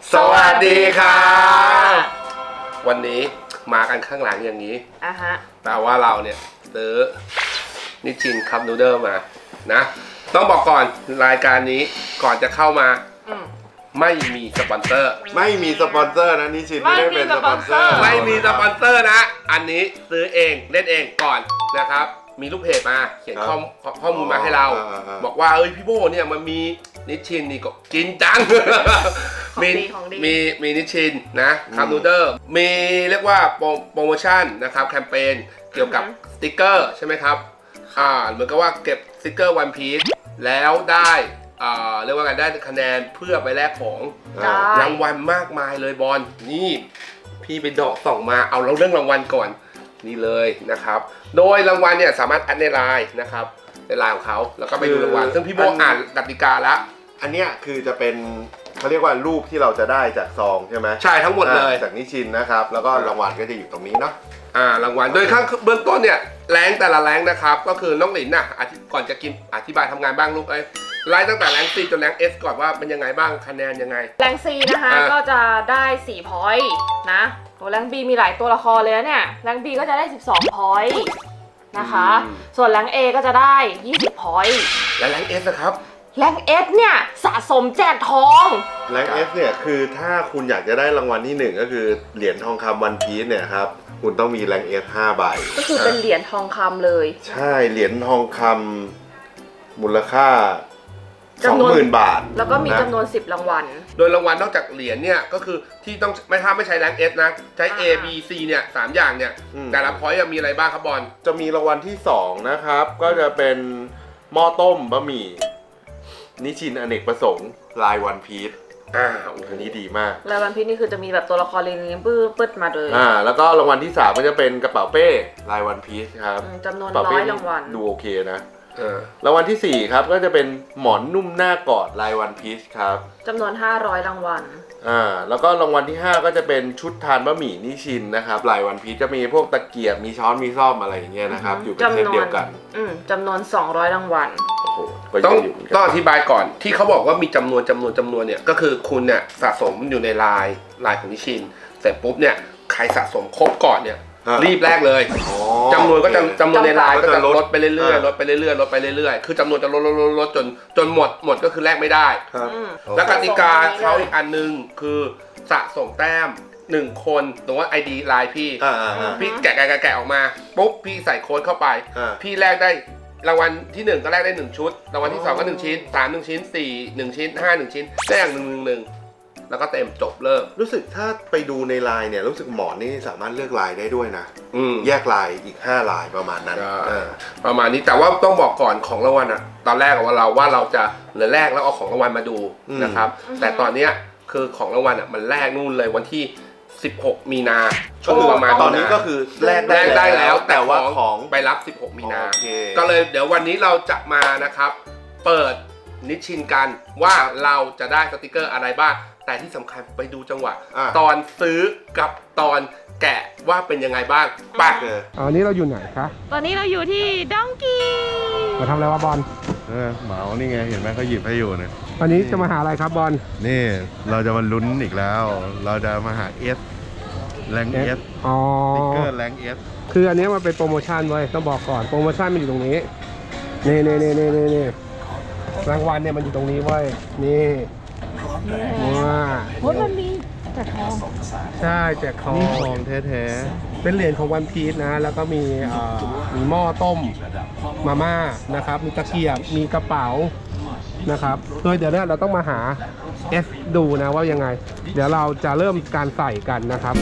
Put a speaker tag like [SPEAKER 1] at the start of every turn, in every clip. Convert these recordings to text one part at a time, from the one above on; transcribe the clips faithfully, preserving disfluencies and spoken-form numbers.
[SPEAKER 1] สวัสดีครับวันนี้มากันข้างหลังอย่างนี้อ่ะฮะแต่ว่าเราเนี่ยซื้อนิชชินคัพนูเดิลมานะต้องบอกก่อนรายการนี้ก่อนจะเข้ามาไม่มีสปอนเซอร์
[SPEAKER 2] ไม่มีสปอนเซอร์นะนิชชินไม่ได้เป็นสปอนเซอร์
[SPEAKER 1] ไม่มีสปอนเซอร์นะอันนี้ซื้อเองเล่นเองก่อนนะครับมีลูกเพจมาเขียนข้อข้อมูลมาให้เราบอกว่าเอ้ยพี่โบเนี่ยมันมีนิชชินนี่ก็กินจังมีมีมีนิชชินนะคัพนูเดิลมีเรียกว่าโปรโมชั่นนะครับแคมเปญเกี่ยวกับสติกเกอร์ใช่ไหมครับอ่าเหมือนกับว่าเก็บสติกเกอร์วันพีซแล้วได้อ่าเรียกว่าไงได้คะแนนเพื่อไปแลกของรางวัลมากมายเลยบอลนี่พี่ไปดอกส่องมาเอาเราเรื่องรางวัลก่อนนี่เลยนะครับโดยรางวัลเนี่ยสามารถแอดในไลน์นะครับในไลน์ของเขาแล้วก็ไปดูรางวัลซึ่งพี่โบอ่านกติกาแล้ว
[SPEAKER 2] อันเนี้ยคือจะเป็นเขาเรียกว่ารูปที่เราจะได้จากซองใช่ไหม
[SPEAKER 1] ใช่ทั้งหมดเลย
[SPEAKER 2] จากนิชชินนะครับแล้วก็รางวัลก็จะอยู่ตรงนี้เนาะ
[SPEAKER 1] อ่ารางวัลโดยข้างเบื้องต้นเนี่ยแรงแต่ละแรงนะครับก็คือน้องหลินน่ะก่อนจะกินอธิบายทำงานบ้างลูกเอ้ยไล่ตั้งแต่แรง C จนแรง S ก่อนว่าเป็นยังไงบ้างคะแนนยังไง
[SPEAKER 3] แรง C นะคะก็จะได้สี่ พอยต์นะโหแรง B มีหลายตัวละครเลยเนี่ยแรง B ก็จะได้สิบสอง พอยต์นะคะส่วนแรง A ก็จะได้ยี่สิบ พอยต์
[SPEAKER 1] และแรง S นะครับ
[SPEAKER 3] แรง S เนี่ยสะสมแจกทอง
[SPEAKER 2] แรง S เนี่ยคือถ้าคุณอยากจะได้รางวัลที่หนึ่งก็คือเหรียญทองคำวันพีซเนี่ยครับคุณต้องมีแรง S ห้าใบ
[SPEAKER 3] ก็คือเป็นเหรียญทองคำเลย
[SPEAKER 2] ใช่เหรียญทองคำมูลค่าสองหมื่นบาท
[SPEAKER 3] แล้วก็มีจำนวนสิบรางวัล
[SPEAKER 1] โดยรางวัลนอกจากเหรียญเนี่ยก็คือที่ต้องไม่ถ้าไม่ใช้แรง S นะใช้ A B C เนี่ยสามอย่างเนี่ยแต่ละพอยต์มีอะไรบ้างครับบอล
[SPEAKER 2] จะมีรางวัลที่สองนะครับก็จะเป็นหม้อต้มบะหมี่นิชชินอเนกประสงค์ลายวันพีซอ่าอันนี้ดีมาก
[SPEAKER 3] ลายวันพีซนี่คือจะมีแบบตัวละครเรียงๆปื้ดปื้ดมาเลย
[SPEAKER 2] อ่าแล้วก็รางวัลที่สามก็จะเป็นกระเป๋าเป้ลายวันพีซครับ
[SPEAKER 3] จำนวนร้อยรางวัล
[SPEAKER 2] ดูโอเคนะรางวัลที่สี่ครับก็จะเป็นหมอนนุ่มหน้ากอดลายวันพีซครับ
[SPEAKER 3] จำนวนห้าร้อยรางวัล
[SPEAKER 2] อ่าแล้วก็รางวัลที่ห้าก็จะเป็นชุดทานบะหมี่นิชชินนะครับลายวันพีซจะมีพวกตะเกียบมีช้อนมีซ่อมอะไรอย่างเงี้ยนะครับอยู่เป็นเซตเดียวกัน
[SPEAKER 3] อืมจำนวนสองร้อยรางวัล
[SPEAKER 1] ต้องต้องอธิบายก่อนที่เขาบอกว่ามีจำนวนจำนวนจำนวนเนี่ยก็คือคุณเนี่ยสะสมอยู่ในลายลายของนิชชินเสร็จปุ๊บเนี่ยใครสะสมครบก่อนเนี่ยรีบแรกเลยจำนวนก็จะจำนวนในไลน์ก็จะลดไปเรื่อยๆลดไปเรื่อยๆลดไปเรื่อยๆคือจำนวนจะลดลดลดลดจนจนหมดหมดก็คือแลกไม่ได้แล้วกติกาเขาอีกอันนึงคือสะสมแต้มหนึ่งคนสมมติว่า ไอ ดี ไลน์พี่พี่แกะแกะแกะออกมาปุ๊บพี่ใส่โค้ดเข้าไปพี่แลกได้รางวัลที่หนึ่งก็แลกได้หนึ่งชุดรางวัลที่สองก็หนึ่งชิ้นสามหนึ่งชิ้นสี่หนึ่งชิ้นห้าหนึ่งชิ้นได้อย่างหนึ่งหนึ่งหนึ่งแล้วก็เต็มจบเลิก
[SPEAKER 2] รู้สึกถ้าไปดูในไลน์เนี่ยรู้สึกหมอนนี่สามารถเลือกลายได้ด้วยนะแยกลายอีกห้าลายประมาณนั้น
[SPEAKER 1] ประมาณนี้แต่ว่าต้องบอกก่อนของรางวัลอะตอนแรกว่าเราว่าเราจะเหลือแรกแล้วเอาของรางวัลมาดูนะครับแต่ตอนเนี้ยคือของรางวัลอะมันแรกนู่นเลยวันที่สิบหกมีนาช่วงประมาณ
[SPEAKER 2] ตอนนี้ก็คือ
[SPEAKER 1] แรกได้แล้วแต่ว่าของไปรับสิบหกมีนาก็เลยเดี๋ยววันนี้เราจะมานะครับเปิดนิชชินกันว่าเราจะได้สติกเกอร์อะไรบ้างแต่ที่สำคัญไปดูจังหวะตอนซื้อกับตอนแกะว่าเป็นยังไงบ้างไปอันนี้เราอยู่ไหนคะ
[SPEAKER 3] ตอนนี้เราอยู่ที่ดองกี้
[SPEAKER 1] มาทำอะไรวะบอล
[SPEAKER 2] เออเหมานี่ไงเห็นไหมเขาหยิบให้อยู่เนี่ย
[SPEAKER 1] วันนี้จะมาหาอะไรครับบอล
[SPEAKER 2] นี่เราจะมาลุ้นอีกแล้วเราจะมาหาเอสแรงเอส
[SPEAKER 1] อ๋อ
[SPEAKER 2] สติกเกอร์แรงเอส
[SPEAKER 1] คืออันนี้มันเป็นโปรโมชั่นไว้ต้องบอกก่อนโปรโมชั่นมันอยู่ตรงนี้นี่นี่นี่นี่นี่รางวัลเนี่ยมันอยู่ตรงนี้ไว้นี่ว้า
[SPEAKER 3] โอ้ยมันมีแจกทอง
[SPEAKER 1] ใช่แจกทอง
[SPEAKER 2] นี่ทองแท้
[SPEAKER 1] ๆเป็นเหรียญของวันพีซนะแล้วก็มีมีหม้อต้มมาม่านะครับมีตะเกียบมีกระเป๋านะครับโดยเดี๋ยวนี้เราต้องมาหา F ดูนะว่ายังไงเดี๋ยวเราจะเริ่มการใส่กันนะครับ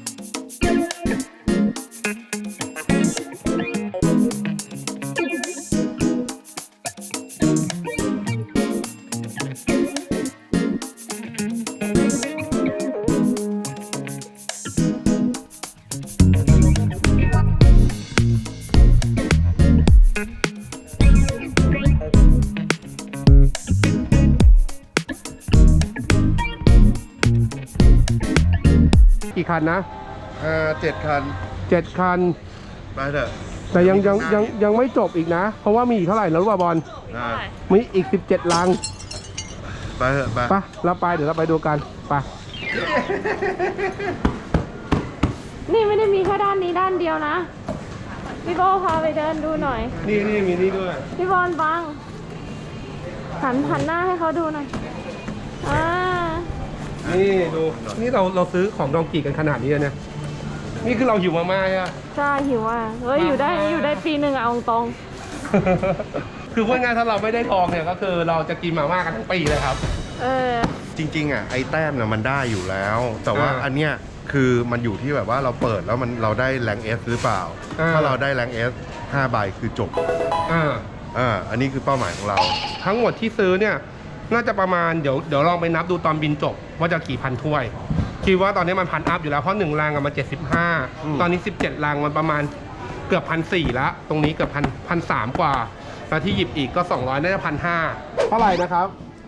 [SPEAKER 1] กี่คันนะ
[SPEAKER 2] อ่าเจ็ดคัน
[SPEAKER 1] เจ็ดคัน
[SPEAKER 2] ไปเถอะ
[SPEAKER 1] แต่ยังยังยังยังไม่จบอีกนะเพราะว่ามีอีกเท่าไหร่แล้วรู้ป่ะบอลมีอีกสิบเจ็ดลัง
[SPEAKER 2] ไปเถอะไป
[SPEAKER 1] ไปเราไปเดี๋ยวเราไปดูกันไป
[SPEAKER 3] นี่ไม่ได้มีแค่ด้านนี้ด้านเดียวนะพี่โบพาไปเดินดูหน่อย
[SPEAKER 1] นี่นี่มีนี่ด้วย
[SPEAKER 3] พี่บอลบังหันหันหน้าให้เขาดูหน่อยอ่า
[SPEAKER 1] นี่ดูนี่เราเราซื้อของดองกีกันขนาดนี้เลยเนี่ยนี่คือเราหิวมาม่าอ่ะ
[SPEAKER 3] ใช่หิวอ่ะเฮ้ยอยู่ได้อยู่ได้ปีหนึ่งอะเอาตรง
[SPEAKER 1] คือพูดง่ายๆถ้าเราไม่ได้ทองเนี่ยก็คือเราจะกินมาม่ากันทั้งปีเลยครับ
[SPEAKER 3] เออ
[SPEAKER 4] จริงๆอ่ะไอ้แต้มน่ะมันได้อยู่แล้ว แต่ว่า
[SPEAKER 1] อ่า
[SPEAKER 4] อันเนี้ยคือมันอยู่ที่แบบว่าเราเปิดแล้วมันเราได้แรงเอสหรือเปล่า
[SPEAKER 1] อ่า
[SPEAKER 4] ถ้าเราได้แรงเอสห้าใบคือจบ
[SPEAKER 1] อ่า
[SPEAKER 4] อ่าอันนี้คือเป้าหมายของเรา
[SPEAKER 1] ทั้งหมดที่ซื้อเนี่ยน่าจะประมาณเดี๋ยวเดี๋ยวลองไปนับดูตอนบินจบว่าจะกี่พันถ้วยคิดว่าตอนนี้มันพันอัพอยู่แล้วเพราะหนึ่งรังอะมันเจ็ดสิบห้า
[SPEAKER 4] อืม
[SPEAKER 1] ตอนนี้สิบเจ็ดรังมันประมาณเกือบพันสี่แล้วตรงนี้เกือบพันพันสามกว่าแล้วที่หยิบอีกก็สองร้อยน่าจะพันห้าเท่าไหร่นะครับ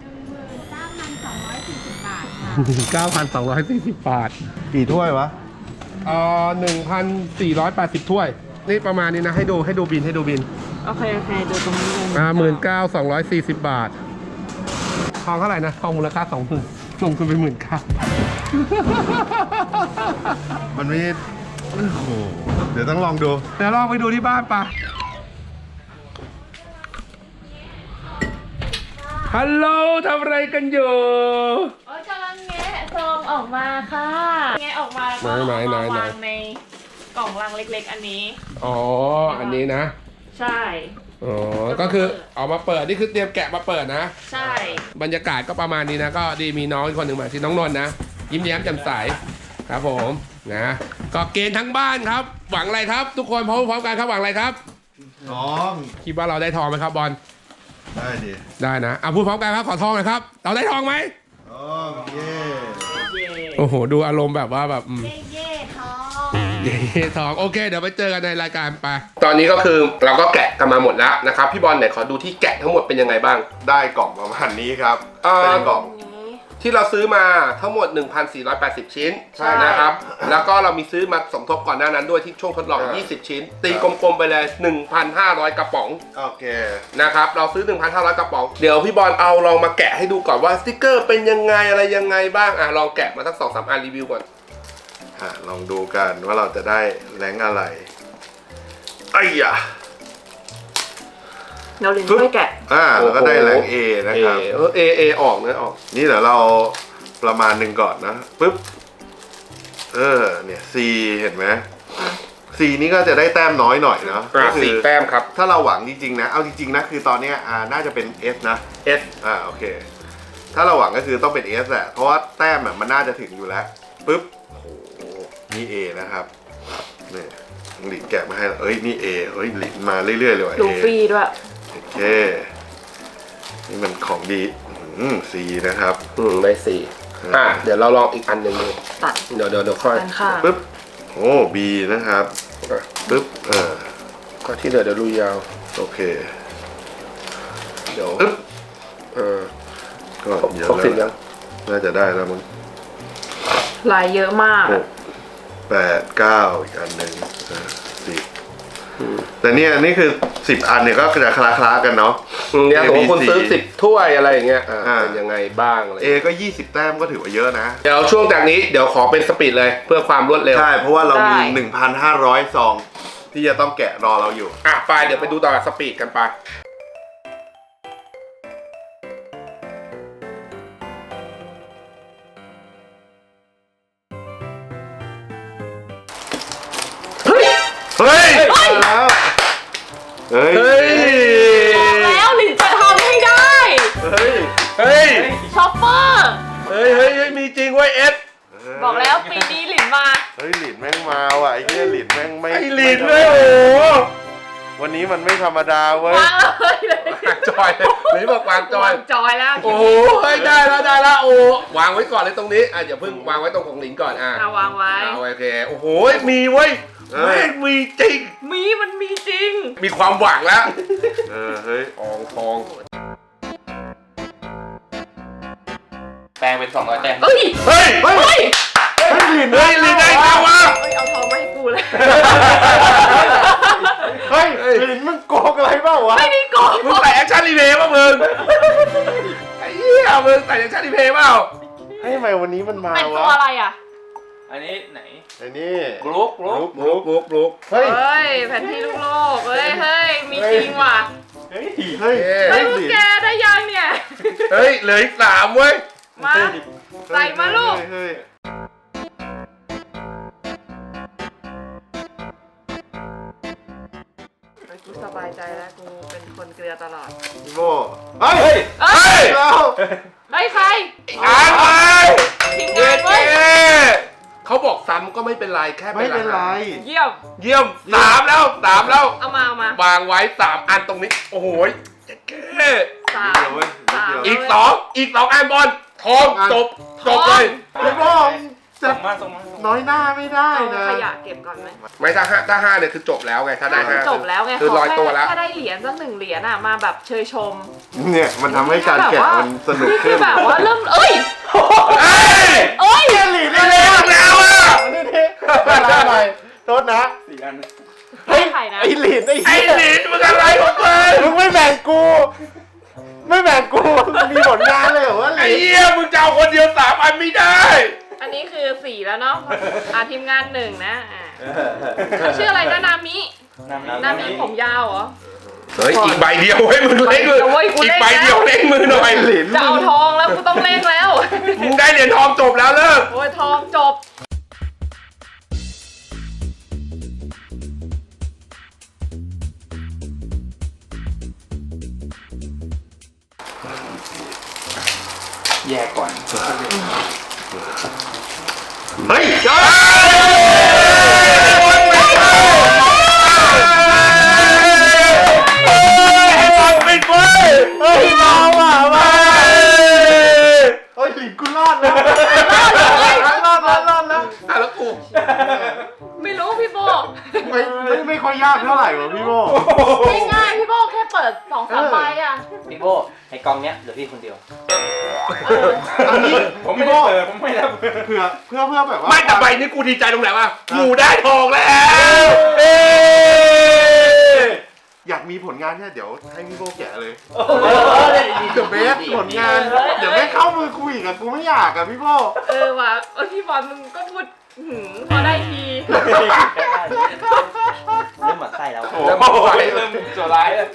[SPEAKER 1] เก้าพันสองร้อยสี่สิบบาท
[SPEAKER 4] กี่ถ้วยวะ
[SPEAKER 1] เอ่อหนึ่งพันสี่ร้อยแปดสิบถ้วยนี่ประมาณนี้นะให้ดูให้ดูบินให้ดูบิน
[SPEAKER 3] โอเคโอเคดูตรงนี้เลย
[SPEAKER 1] อ่าหมื่นเก้าสองร้อยสี่สิบบาททองเท่าไหร่นะทองมูลค่าสองหมื่นลงทุนไปหมื่นเก้า
[SPEAKER 4] มันไม่โอ้โหเดี๋ยวต้องลองดู
[SPEAKER 1] เดี๋ยวลองไปดูที่บ้านปะฮัลโหลทำอะไรกันอยู่
[SPEAKER 3] โอ้ยกำลังแงะซองออกมาค่ะแงะออกมาแล้วก็
[SPEAKER 1] ไหนไหน
[SPEAKER 3] เอา
[SPEAKER 1] ไหน
[SPEAKER 3] มาวางในกล่องลังเล็กๆอันนี้
[SPEAKER 1] อ๋อ อันนี้นะ
[SPEAKER 3] ใช่
[SPEAKER 1] อ๋อ ก็คือเอามาเปิด นี่คือเตรียมแกะมาเปิดนะ
[SPEAKER 3] ใช่
[SPEAKER 1] บรรยากาศก็ประมาณนี้นะ ก็ดีมีน้องอีกคนหนึ่งมาชื่อน้องนนท์นะ ยิ้มแย้มแจ่มใส ครับผม นะ ก็เกณฑ์ทั้งบ้านครับ หวังอะไรครับ ทุกคนพร้อมพร้อมกันครับ หวังอะไรครับ
[SPEAKER 4] น้อง
[SPEAKER 1] คิดว่าเราได้ทองไหมครับบอล
[SPEAKER 4] ได้ดิ
[SPEAKER 1] ได้นะอ่ะพูดพร้อมกันครับ ขอทองหน่อยครับ เราได้ทองไหม
[SPEAKER 4] น้องเย่
[SPEAKER 1] โอ้โห ดูอารมณ์แบบว่าแบบอืม
[SPEAKER 3] เย่เย่ทอง
[SPEAKER 1] เย้ทองโอเคเดี๋ยวไปเจอกันในรายการไปตอนนี้ก็คือเราก็แกะกันมาหมดแล้วนะครับพี่บอลไหนขอดูที่แกะทั้งหมดเป็นยังไงบ้าง
[SPEAKER 2] ได้กล่องประมาณนี้ครับ
[SPEAKER 1] เอ่อ
[SPEAKER 2] เป็นกล่อง
[SPEAKER 1] ที่เราซื้อมาทั้งหมด หนึ่งพันสี่ร้อยแปดสิบ ชิ้น
[SPEAKER 2] ใช่
[SPEAKER 1] นะครับแล้วก็เรามีซื้อมาสมทบก่อนหน้านั้นด้วยที่ช่วงทดลอง
[SPEAKER 2] อ่า
[SPEAKER 1] ยี่สิบ ชิ้น ตีกลมๆไปเลย หนึ่งพันห้าร้อย กระป๋อง
[SPEAKER 2] โอเค
[SPEAKER 1] นะครับเราซื้อ หนึ่งพันห้าร้อย กระป๋องเดี๋ยวพี่บอลเอาลองมาแกะให้ดูก่อนว่าสติกเกอร์เป็นยังไงอะไรยังไงบ้างอ่ะลองแกะมาสัก สองสาม อันรีวิวก่อน
[SPEAKER 2] อ่ะลองดูกันว่าเราจะได้แรงอะไรไอ้ยะ
[SPEAKER 3] เราลิ้นช่วยแกะ
[SPEAKER 2] อ่าแล้วก็ได้แรง A นะครับ
[SPEAKER 1] เออเอเอออกนะออก
[SPEAKER 2] นี่เดี๋ยวเราประมาณหนึ่งก่อนนะปึ๊บเออเนี่ย C เห็นไหม C นี่ก็จะได้แต้มน้อยหน่อยเนาะ
[SPEAKER 1] อ่ะ
[SPEAKER 2] ก็คื
[SPEAKER 1] สี่แต้มครับ
[SPEAKER 2] ถ้าเราหวังจริงๆนะเอาจริงๆนะคือตอนเนี้ยอ่าน่าจะเป็น S นะ
[SPEAKER 1] S
[SPEAKER 2] อ่าโอเค ถ้าเราหวังก็คือต้องเป็น S แหละเพราะว่าแต้มอะมันน่าจะถึงอยู่แล้วปึ๊บโอ้โหนี่ A นะครับนี่หลินแกะมาให้แล้วเอ้ยนี่ A เอ้ยหลินมาเรื่อยๆเลยว่ะ
[SPEAKER 3] ดู
[SPEAKER 2] A
[SPEAKER 3] ฟรีด้วย
[SPEAKER 2] โอเคนี่มันของดีอืม C นะครับ
[SPEAKER 1] อืมได้สี่อ่ะเดี๋ยวเราลองอีกอันหนึ่งดู
[SPEAKER 3] ตัด
[SPEAKER 1] เดี๋ยวเดี๋ยวเดี๋ยวค่อย
[SPEAKER 3] กันค่ะ
[SPEAKER 2] ปึ๊บโอ้ B นะครับปึ๊บเออ
[SPEAKER 1] ก็ที่เหลือเดี๋ยวลุยยาว
[SPEAKER 2] โอเค
[SPEAKER 1] เดี๋ยว
[SPEAKER 2] ปึ๊บ
[SPEAKER 1] เออ
[SPEAKER 2] ก็เยอะ
[SPEAKER 1] ครบสิบยั
[SPEAKER 2] แล้ว
[SPEAKER 1] ง
[SPEAKER 2] น่าจะได้แล้วมั้ง
[SPEAKER 3] ลายเยอะมาก
[SPEAKER 2] หกแปดเก้าอีกอันหนึ่งเออสิบแต่เนี่ยนี่คือสิบอันเนี่ยก็จะคล้าๆกันเนาะ
[SPEAKER 1] อืมเนี่ยสมมติคุณซื้อสิบถ้วยอะไรอย่างเงี้ยอ่า
[SPEAKER 2] อ่า
[SPEAKER 1] เป็นยังไงบ้างอะไร
[SPEAKER 2] A ก็ยี่สิบแต้มก็ถือว่าเยอะนะ
[SPEAKER 1] เดี๋ยวช่วงจากนี้เดี๋ยวขอเป็นสปีดเลยเพื่อความรวดเร็ว
[SPEAKER 2] ใช่ เพราะว่าเรามี
[SPEAKER 3] ได้
[SPEAKER 2] หนึ่งพันห้าร้อยซองที่จะต้องแกะรอเราอยู่
[SPEAKER 1] อ่ะไปเดี๋ยวไปดูต่อสปีดกันไปเฮ้ย
[SPEAKER 2] เฮ้ยมาแล้วเฮ้ย
[SPEAKER 1] เฮ้ย
[SPEAKER 3] บอกแล้วลินจะทำให้ได้
[SPEAKER 2] เฮ้ย
[SPEAKER 1] เฮ้ย
[SPEAKER 3] ช็อปเปอร์
[SPEAKER 1] เฮ้ยเฮ้ยเฮ้ยมีจริงเว้ยเอส
[SPEAKER 3] บอกแล้วปีนี้หลินมา
[SPEAKER 2] เฮ้ยหลินแม่งมาว่ะไอ้เหี้ยหลินแม่งไม่
[SPEAKER 1] ไอ้ลินเลยโอ้โห
[SPEAKER 2] วันนี้มันไม่ธรรมดาเว้ย
[SPEAKER 3] วางเลยเลยว
[SPEAKER 1] างจอยเลยหรือบอกวางจอย
[SPEAKER 3] วางจอยแล้ว
[SPEAKER 1] โอ้โหเฮ้ยได้แล้วได้แล้วโอ้วางไว้ก่อนเลยตรงนี้อ่ะอย่าเพิ่งวางไว้ตรงของหลินก่อนอ่ะ
[SPEAKER 3] เอาวางไว้
[SPEAKER 1] เอาโอเคโอ้โหมีเว้ย
[SPEAKER 2] เออ
[SPEAKER 1] แม่งมีจริง
[SPEAKER 3] มีมันมีจริง
[SPEAKER 1] มีความหวังแล้ว
[SPEAKER 2] เออเฮ้ย
[SPEAKER 1] ทองทอง
[SPEAKER 5] แปลงเป็นสองร้อยแต้ม
[SPEAKER 3] เอ้ย
[SPEAKER 1] เฮ้ย
[SPEAKER 2] เฮ้ย
[SPEAKER 3] เฮ้ย
[SPEAKER 2] เฮ้ยหลิน
[SPEAKER 1] เฮ้ยลินได้ไงวะ
[SPEAKER 3] เฮ้ยเอาทองมาให้กูเลย
[SPEAKER 2] เฮ้ยหลินมึงโกงอะไรเปล่าวะ
[SPEAKER 3] ไม่ได้โกง
[SPEAKER 1] มึงใส่แอคชั่นรีเพย์ป่ะมึงไอ้เหี้ยมึงใส่แอคชั่นรีเพย์เปล่า
[SPEAKER 2] ให้ไมวันนี้มันมา
[SPEAKER 3] เป็นตัว
[SPEAKER 2] วะ
[SPEAKER 3] อะไรอ่ะ
[SPEAKER 5] อันนี้ไหน
[SPEAKER 2] ไอ้นี่
[SPEAKER 5] บลู๊กบลู๊ก
[SPEAKER 1] บลุกบลุกบลุก
[SPEAKER 2] เฮ้ย
[SPEAKER 3] เฮ้ยแผนที่ลูกโลกเฮ้ยเฮ้ยมีจริงว่ะ
[SPEAKER 5] เฮ้ย
[SPEAKER 2] เฮ้ย
[SPEAKER 3] เฮ้ยพวกแกได้ยังเนี่ย
[SPEAKER 1] เฮ้ยเหลืออีกสามเว้ย
[SPEAKER 3] มาใส่มาลูก
[SPEAKER 2] เฮ้ย
[SPEAKER 3] กูสบายใจแล้วกูเป็นคนเกลือตลอด
[SPEAKER 2] พี่โบเฮ้ย
[SPEAKER 3] เอ้ย
[SPEAKER 2] เรา
[SPEAKER 3] เฮ้ยใคร
[SPEAKER 1] อ่านไป
[SPEAKER 3] ทีม
[SPEAKER 1] เย้
[SPEAKER 3] งานเว้ย
[SPEAKER 1] เขาบอกซ้ำก็ไม่เป็นไรแค่
[SPEAKER 2] ไม่
[SPEAKER 1] เป็น
[SPEAKER 2] เป็นไร
[SPEAKER 3] เยี่ยม
[SPEAKER 1] เยี่ยมสามแล้วสามแล้ว
[SPEAKER 3] เอามาเอามาว
[SPEAKER 1] างไว้สามอันตรงนี้ โอ้โหเจ๊เก้
[SPEAKER 3] สาม
[SPEAKER 2] เดี๋ยวเว้ยเดี๋ยว
[SPEAKER 1] อีกสองอีกสองอันบอลทองจบจบเลย
[SPEAKER 2] พี่โบจะ
[SPEAKER 5] ส่งมาส่งมาส่งมา
[SPEAKER 2] น้อยหน้าไม่ได้
[SPEAKER 3] เอา
[SPEAKER 2] นะ
[SPEAKER 3] ขยะเก็บก่อนไหม
[SPEAKER 1] ไม่ถ้าห้าถ้าห้าเนี่ยคือจบแล้วไงถ้าได้ห้า
[SPEAKER 3] จบแล้วไง
[SPEAKER 1] คือ
[SPEAKER 3] ขอ
[SPEAKER 1] ลอย
[SPEAKER 3] แค่
[SPEAKER 1] ตัวแล้ว
[SPEAKER 3] แค่ได้เหรียญสักหนึ่งเหรียญอ่ะมาแบบเชยชม
[SPEAKER 2] เนี่ยมันทำให้การแกะมันสนุก
[SPEAKER 3] นี่คื
[SPEAKER 2] ขึ้
[SPEAKER 3] อน แบบว่าเริ่มเอ้ย
[SPEAKER 1] เอ้ย
[SPEAKER 3] เอ้ย
[SPEAKER 2] เกลีได้
[SPEAKER 1] เร็วแล้วอ่ะ
[SPEAKER 2] นี่นี่อะไรหน่อยโทษนะ
[SPEAKER 5] สี่อัน
[SPEAKER 3] ให้ใครนะ
[SPEAKER 2] ไอ้หลินไอ้
[SPEAKER 1] ไอ้
[SPEAKER 2] เหี้ย
[SPEAKER 1] หลินมึงอะไรของมึง
[SPEAKER 2] มึงไม่แบ่งกู ไม่แบ่งกูมีผลงานเลยเหรอวะห
[SPEAKER 1] ไอ้
[SPEAKER 2] ลิน
[SPEAKER 1] เหี้ยมึงจะเอาคนเดียวสามอันไม่ได้
[SPEAKER 3] อันนี้คือสี่แล้วเนาะอ่ะทีมงานหนึ่งนะอ่ะเขาชื่ออะไรนะนามิ
[SPEAKER 5] นามิ
[SPEAKER 3] นามิผมยาวเหรอ
[SPEAKER 1] เฮ้ยอีกใบเดียวให้มึงเล่นมือ
[SPEAKER 3] โอ้ยกู
[SPEAKER 1] อี
[SPEAKER 3] เล่
[SPEAKER 1] ก
[SPEAKER 3] น
[SPEAKER 1] ใบเดียวเล่นมือหน่อย
[SPEAKER 2] หลิน
[SPEAKER 3] จะเอาทองแล้วกูต้องเล่นแล้ว
[SPEAKER 1] มึงได้เหรียญทองจบแล้วเลิก
[SPEAKER 3] โอ้ยทองจบ
[SPEAKER 5] แยกก่อน
[SPEAKER 2] เฮ้ย
[SPEAKER 1] เฮ้ยปิดเว้ย
[SPEAKER 2] เฮ้ยมาว่ะมาเฮ้ยหลินกูรอดแล้วรอดแล้วรอดแล้ว
[SPEAKER 1] อ่ะแล้วกู
[SPEAKER 3] ไม่รู้พี่โบ
[SPEAKER 2] ไม่ไม่ไม่ค่อยยากเท่าไหร่ว่ะพี่โบ
[SPEAKER 3] ง่ายๆพี่โบแค่เปิดสองสามใบอ่ะ
[SPEAKER 6] พี่โบไอ้กองเนี้ยเหลือพี่คนเดียว
[SPEAKER 3] เออ
[SPEAKER 2] อันนี้
[SPEAKER 5] ผมไม่
[SPEAKER 2] พี่
[SPEAKER 5] ได้
[SPEAKER 2] โบ
[SPEAKER 5] เปิดผมไม่ได้เปิด
[SPEAKER 2] เพื่อเพื่อเพื่อแบบว่า
[SPEAKER 1] ไม่แต่ใบนี้กูดีใจตรงไหนวะกูได้ทองแล้วเอ้
[SPEAKER 2] อยากมีผลงานเนี่ยเดี๋ยวให้พี่โบแกะเลย
[SPEAKER 6] โอ้โห
[SPEAKER 2] เดี๋ยวเบสผลงาน เดี๋ยวไม่เข้ามือกูอีกอะกูไม่อยากอะพี่โบ
[SPEAKER 3] เออว่ะเออพี่บอลมึงก็พูดหืมพอได้ที
[SPEAKER 6] เริ่มหมั่นไส้แล้ว
[SPEAKER 5] โอ้โหเริ่มโจร้ายแล้ว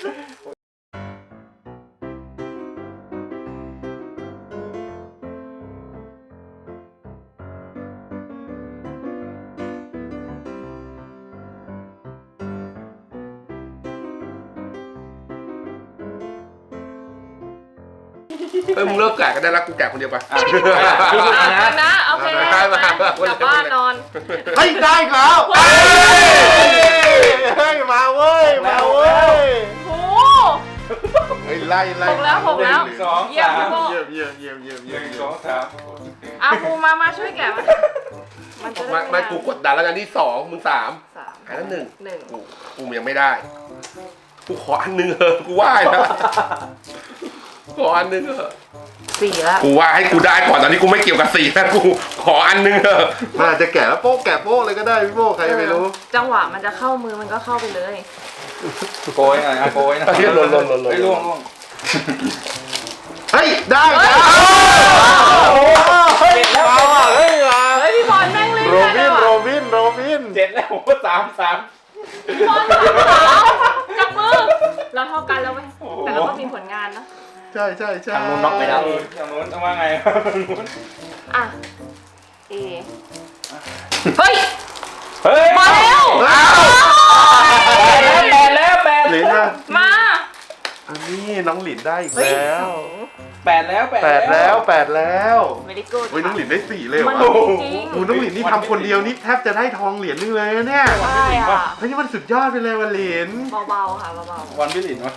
[SPEAKER 1] เฮ้ยมึงเลิกแกะกันได้แล้วกูแกะคนเดียวไป
[SPEAKER 5] อ่ะ
[SPEAKER 6] พี่
[SPEAKER 3] อ่ะ
[SPEAKER 6] นะ
[SPEAKER 3] นะโอเค
[SPEAKER 1] ได้
[SPEAKER 3] มาม
[SPEAKER 1] าก
[SPEAKER 3] ลับบ้านนอน
[SPEAKER 2] เฮ้ยได้อีกแล้ว
[SPEAKER 3] เฮ้ย
[SPEAKER 2] เฮ้ยมาเว้ยมาเว้ย
[SPEAKER 3] โอ้
[SPEAKER 2] เฮ้ยไล่ไล่
[SPEAKER 3] หกแล้วหกแล้ว
[SPEAKER 5] หนึ่งสอง
[SPEAKER 3] เยี่ยม
[SPEAKER 5] สาม
[SPEAKER 3] พี่โบ
[SPEAKER 2] เยี่ยมเยี่ยมเยี่ยมเยี่ยม
[SPEAKER 5] ห
[SPEAKER 2] เยี่ยม
[SPEAKER 5] นึ่ง
[SPEAKER 2] เยี่
[SPEAKER 5] ส
[SPEAKER 2] ย
[SPEAKER 5] อ
[SPEAKER 2] ม
[SPEAKER 5] งสาม
[SPEAKER 3] อ่ะครูมามาช่วยแกะมามันจะได้
[SPEAKER 1] มามากูกดดันแล้วกันที่สองมึงสาม
[SPEAKER 3] สาม
[SPEAKER 1] อันนั้นหนึ่ง
[SPEAKER 3] หนึ่ง
[SPEAKER 1] กูกูยังไม่ได้ กูขออันหนึงเถอะกูไหว้นะขออันหนึงเถอะ
[SPEAKER 3] สี่แล้ว
[SPEAKER 1] กูว่าให้กูได้ก่อนตอนนี้กูไม่เกี่ยวกับสีนะกูขออันหนึงเถอะ
[SPEAKER 2] มันอาจจะแกะแล้วโป๊ะแกะโป๊ะเลยก็ได้พี่โบใครจะไปรู้
[SPEAKER 3] จังหวะมันจะเข้ามือมันก็เข้าไปเลย
[SPEAKER 5] โกยหน่อยนะโกยหน่อย
[SPEAKER 1] เฮ้ยหล่นหล่นหล่นหล่น
[SPEAKER 5] เฮ้ยล่วงล่วง
[SPEAKER 2] เฮ้ยได้แล้ว
[SPEAKER 6] เฮ้ยแล้ว
[SPEAKER 2] มาว่ะเฮ้ยมา
[SPEAKER 3] เฮ้ยพี่บอลแม่งเล่น
[SPEAKER 2] โร
[SPEAKER 3] ได้
[SPEAKER 2] บิ
[SPEAKER 3] เล
[SPEAKER 2] น
[SPEAKER 3] ย
[SPEAKER 2] โร
[SPEAKER 3] ว่ะ
[SPEAKER 2] บินโรบิน
[SPEAKER 5] เจ็ดแล้วโอ้โหสามสาม
[SPEAKER 3] พี่บอลสามสาวจับมือเราเท่ากันแล้วไหมแต่เราก็มีผลงานนะ
[SPEAKER 2] ใช่ใช่ใช่
[SPEAKER 6] ทางนู้นน็อกไปแล้ว
[SPEAKER 5] ทางนู้นต้องว่าไงทางนู้น
[SPEAKER 3] อ่ะเอเฮ้ย
[SPEAKER 5] เฮ้ย
[SPEAKER 3] มาแล้ว
[SPEAKER 2] อ้าว
[SPEAKER 5] แปดแล้วแปด
[SPEAKER 2] หลิน
[SPEAKER 5] แล้ว
[SPEAKER 2] นะ
[SPEAKER 3] มา
[SPEAKER 2] อันนี้น้องหลินได้อีก
[SPEAKER 3] เฮ้ย
[SPEAKER 2] แล้ว
[SPEAKER 5] แปดแล้ว
[SPEAKER 2] แปดแล้วแปดแล้ว
[SPEAKER 3] ไม่ได้กูด
[SPEAKER 2] เฮ้ยน้องหลินได้สี่เลยเหร
[SPEAKER 3] มัน
[SPEAKER 2] อ
[SPEAKER 3] จริง
[SPEAKER 2] โอ้น้องหลินนี่ทำคนเดียวนี่แทบจะได้ทองเหรียญนึงเลยนะเนี่ย
[SPEAKER 3] ใช่อ่ะ
[SPEAKER 2] เฮ้ยนี่มันสุดยอดไปเลยว่ะหลิน
[SPEAKER 3] เบาๆค่ะเบา
[SPEAKER 5] วันพี่หลินวะ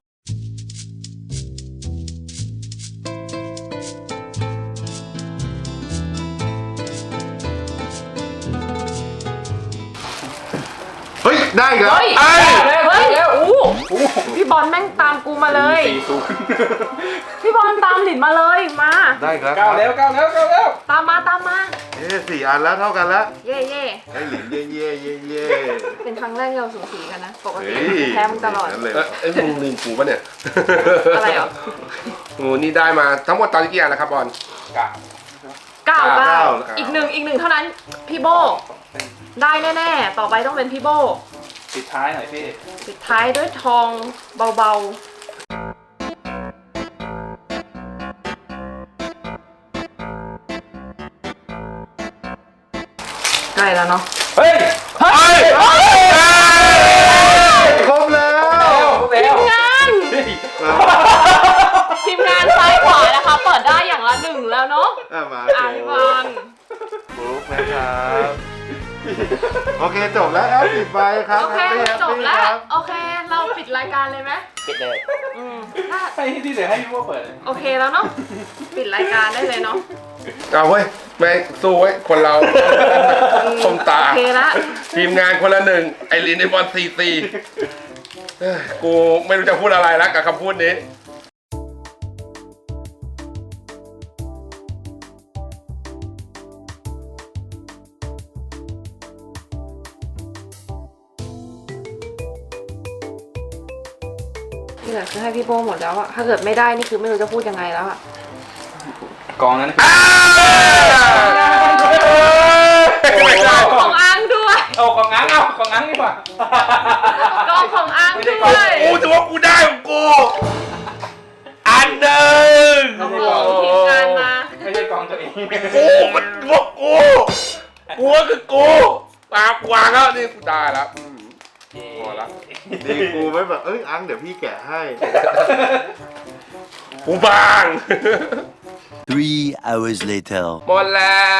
[SPEAKER 2] เฮ้ยได้อีก
[SPEAKER 3] ๆ
[SPEAKER 2] แล้ว
[SPEAKER 3] เฮ้ย
[SPEAKER 1] เอ้ย
[SPEAKER 3] เฮ้ยอู้พี่บอลแม่งตามกูมาเลย
[SPEAKER 5] สี่ศูนย์
[SPEAKER 3] พี่บอลตามหลินมาเลยมา
[SPEAKER 2] ได้อีกแล้ว
[SPEAKER 5] เก้าแล้วเก้าแล้วเก้าแล้ว
[SPEAKER 3] ตามมาตามมา
[SPEAKER 2] เอ้สี่อันแล้วเท่ากันแล้ว
[SPEAKER 3] เย่เย่
[SPEAKER 2] ไอ้หลินเย่เย่เย่เย่
[SPEAKER 3] เป็นครั้งแรกที่เราสูสีกันนะปกติ
[SPEAKER 2] เฮ้ย
[SPEAKER 3] แพ้มึงตลอด
[SPEAKER 2] นั่นเลย
[SPEAKER 1] เอ้ยเอ้ยมึงลืมกูปะเนี่ย
[SPEAKER 3] อะไรเหรอ
[SPEAKER 1] โอ้นี่ได้มาทั้งหมดตอนนี้กี่อันแล้วครับบอล
[SPEAKER 5] กะ
[SPEAKER 3] เก้า
[SPEAKER 1] เก้า
[SPEAKER 3] เก้า
[SPEAKER 1] เก้า
[SPEAKER 3] อีกหนึ่งอีกหนึ่งเท่านั้นพี่โบได้แน่ๆต่อไปต้องเป็นพี่โบ
[SPEAKER 5] ปิดท้ายหน่อยพี่
[SPEAKER 3] ปิดท้ายด้วยทองเบาๆใกล้แล้วเนาะ
[SPEAKER 5] เฮ้ย
[SPEAKER 1] เฮ้ย
[SPEAKER 2] ครบแล้ว
[SPEAKER 5] เร็ว
[SPEAKER 3] ทีมงานทีมงานซ้ายขวานะคะ เปิดได้อย่างละหนึ่งแล้วเนาะ
[SPEAKER 2] อ่ะมา
[SPEAKER 3] อ่า
[SPEAKER 2] โช
[SPEAKER 3] พี่
[SPEAKER 2] ว์
[SPEAKER 3] บอล
[SPEAKER 2] บลุกนะครับโอเคจบแล้วแอปปิดไปครับ
[SPEAKER 3] โอเค
[SPEAKER 2] แฮปปี้
[SPEAKER 3] จบแล้ว
[SPEAKER 2] ครับ
[SPEAKER 3] โอเค เราปิดรายการเลยไหม
[SPEAKER 6] ปิดเลย
[SPEAKER 3] อืมถ้า
[SPEAKER 5] ให้ที่เหลือให้พี่ว่าเปิด
[SPEAKER 3] โอเคแล้วเนาะปิดรายการได้เลยเนาะ
[SPEAKER 1] เอาเว้ยแม่งสู้เว้ยคนเราคมตา
[SPEAKER 3] โอเคละ
[SPEAKER 1] ทีมงานคนละหนึ่งไอรินไอบอลซีซีเอ้ยกูไม่รู้จะพูดอะไรแล้วกับคำพูดนี้
[SPEAKER 3] ที่เหลือคือให้พี่โบหมดแล้วอะถ้าเกิดไม่ได้นี่คือไม่รู้จะพูดยังไงแล้วอะ
[SPEAKER 5] กองนั้นคือ
[SPEAKER 3] ของอังด้วย
[SPEAKER 5] เอากองง้างเอากองง้างดีกว่า
[SPEAKER 3] กองของอังด้วย
[SPEAKER 1] กูถือว่ากูได้ของกู อันหนึ่ง
[SPEAKER 3] โอ้โหทีมงานมา
[SPEAKER 5] ไม่ใช่กองตัวเอง
[SPEAKER 1] กูมันพวกกูกูก็คือกูปากวางแล้วนี่กูได้แล้วอืมพอละ
[SPEAKER 2] ดีกูไม่แบบเอ้ยอังเดี๋ยวพี่แกะให้
[SPEAKER 1] กูบาง
[SPEAKER 7] Three hours later.
[SPEAKER 1] หมดแล้ว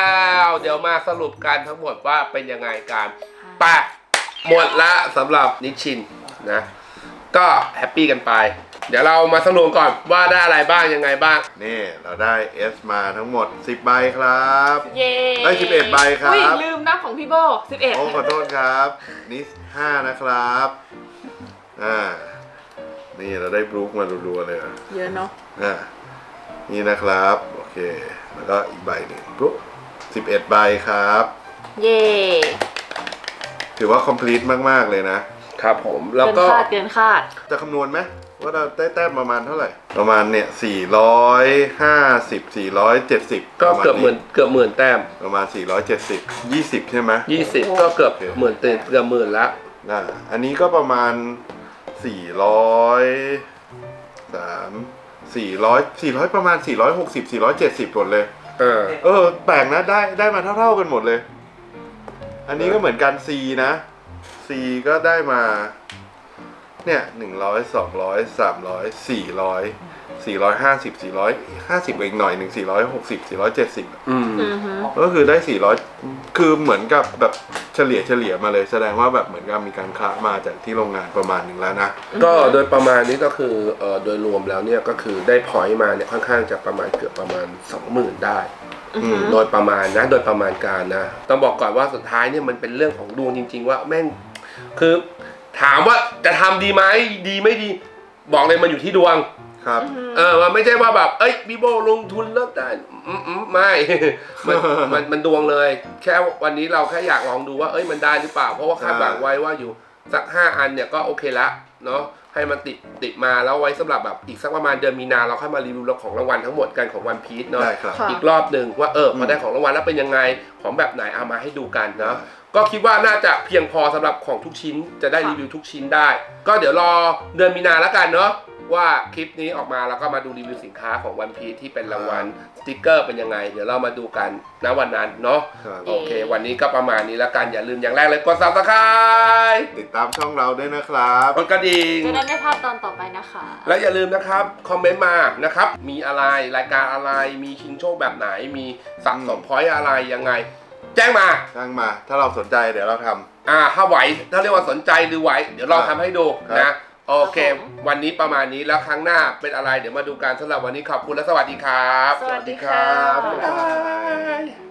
[SPEAKER 1] เดี๋ยวมาสรุปกันทั้งหมดว่าเป็นยังไงกันไปหมดละสำหรับนิชชินนะ ก็แฮปปี้กันไป เดี๋ยวเรามาสรุปก่อนว่าได้อะไรบ้างยังไงบ้าง
[SPEAKER 2] นี่เราได้ S มาทั้งหมดสิบใบครับ
[SPEAKER 3] เย้
[SPEAKER 2] ได้สิบเอ็ดใบครับ
[SPEAKER 3] อุ้ยลืมนับของพี่โบสิบเอ็ด
[SPEAKER 2] โอ้ขอโทษครับนี่ห้านะครับอ่านี่เราได้บลูคมารัวๆเลยอ่ะ
[SPEAKER 3] เยอะเนาะ
[SPEAKER 2] อ่านี่นะครับโอเคแล้วก็อีกใบหนึ่งปุ๊บสิบเอ็ดใบครับ
[SPEAKER 3] เย่
[SPEAKER 2] ถือว่า complete มากๆเลยนะครับ
[SPEAKER 1] ผมแล้ว
[SPEAKER 3] เกิน
[SPEAKER 1] ก็
[SPEAKER 3] คาดเกินคาด
[SPEAKER 2] จะคำนวณไหมว่าเราได้แต้มประมาณเท่าไหร่ ประมาณเนี่ยสี่ร้อยห้าสิบ สี่ร้อยเจ็ดสิบ
[SPEAKER 1] ก็เกือบหมื่นเกือบหมื่นแต้ม
[SPEAKER 2] ประมาณสี่ร้อยเจ็ดสิบ ยี่สิบใช่ไหม
[SPEAKER 1] ยี่สิบก็เกือบหมื่นเต็มเกือบหมื่นละ
[SPEAKER 2] อ่าอันนี้ก็ประมาณสี่ร้อยสามสี่ร้อยสี่ร้อยประมาณสี่ร้อยหกสิบ สี่ร้อยเจ็ดสิบหมดเลย
[SPEAKER 1] เออ
[SPEAKER 2] เออแปลกนะได้ได้มาเท่าๆกันหมดเลย อันนี้ก็เหมือนกัน C นะ C ก็ได้มาเนี่ยหนึ่งร้อยสองร้อยสามร้อยสี่ร้อยสี่ร้อยห้าสิบสี่ร้อยห้าสิบอีกหน่อยหนึ่งสี่ร้อยหกสิบสี่ร้อยเจ็ดสิบ
[SPEAKER 1] อืม
[SPEAKER 3] อือฮึ
[SPEAKER 2] ก็คือได้สี่ร้อยคือเหมือนกับแบบเฉลี่ยเฉลี่ยมาเลย แสดงว่าแบบเหมือนกับมีการค้ามาจากที่โรงงานประมาณหนึ่งแล้วนะ
[SPEAKER 1] ก็โดยประมาณนี้ก็คือเอ่อโดยรวมแล้วเนี่ยก็คือได้พอยต์มาเนี่ยค่อนข้างจะประมาณเกือบประมาณ สองหมื่น ได้
[SPEAKER 3] อือฮึ
[SPEAKER 1] โดยประมาณนะโดยประมาณการนะ ต้องบอกก่อนว่าสุดท้ายเนี่ยมันเป็นเรื่องของดวงจริง ๆ ว่าแม่งคือถามว่าจะทำดีไหมดีไม่ดีบอกเลยมันอยู่ที่ดวง
[SPEAKER 2] ครับ
[SPEAKER 1] เออมันไม่ใช่ว่าแบบเอ้ยพี่โบลงทุนแล้วได้อืมอืมไม่ มันมันมันดวงเลย แค่วันนี้เราแค่อยากลองดูว่าเอ้ยมันได้หรือเปล่าเพราะว่าคาดหวังไว้ว่าอยู่สักห้าอันเนี่ยก็โอเคละเนาะให้มันติดติดมาแล้วไว้สำหรับแบบอีกสักประมาณเดือนมีนาเราค่อยมารีวิวของรางวัลทั้งหมดกันของวันพีชเนาะ
[SPEAKER 2] ได้ครับ
[SPEAKER 3] ค่ะ
[SPEAKER 1] อีกรอบหนึ่งว่าเออพอได้ของรางวัลแล้วเป็นยังไงของแบบไหนเอามาให้ดูกันเนาะก็คิดว่าน่าจะเพียงพอสำหรับของทุกชิ้นจะได้รีวิวทุกชิ้นได้ ก็เดี๋ยวรอเดือนมีนาแล้วกันเนาะว่าคลิปนี้ออกมาแล้วก็มาดูรีวิวสินค้าของวันพีชที่เป็นรางวัลสติกเกอร์เป็นยังไง เดี๋ยวเรามาดูกันณวันนั้นเนาะ
[SPEAKER 2] ครับ
[SPEAKER 1] โอเค วันนี้ก็ประมาณนี้แล้วกันอย่าลืมอย่างแรกเลยกด ซับสไครบ์
[SPEAKER 2] ติดตามช่องเราด้วยนะครับ
[SPEAKER 1] กดกระดิ่ง
[SPEAKER 3] จะได้ไม่พลาดตอนต่อไปนะคะ
[SPEAKER 1] และอย่าลืมนะครับ คอมเมนต์มานะครับ มีอะไรรายการอะไรมีชิงโชคแบบไหน มีสะสมพอยต์อะไรยังไง แจ้งมา
[SPEAKER 2] ช่างมาถ้าเราสนใจเดี๋ยวเราทำ
[SPEAKER 1] อ่าถ้าไหวถ้าเรียกว่าสนใจหรือไหวเดี๋ยวลองทำให้ดู
[SPEAKER 2] ครับ
[SPEAKER 1] นะโอเค
[SPEAKER 3] ครับผม
[SPEAKER 1] วันนี้ประมาณนี้แล้วครั้งหน้าเป็นอะไรเดี๋ยวมาดูกันสำหรับวันนี้ขอบคุณและสวัสดีครับ
[SPEAKER 3] สวัสดีค่ะ
[SPEAKER 1] บ๊ายบาย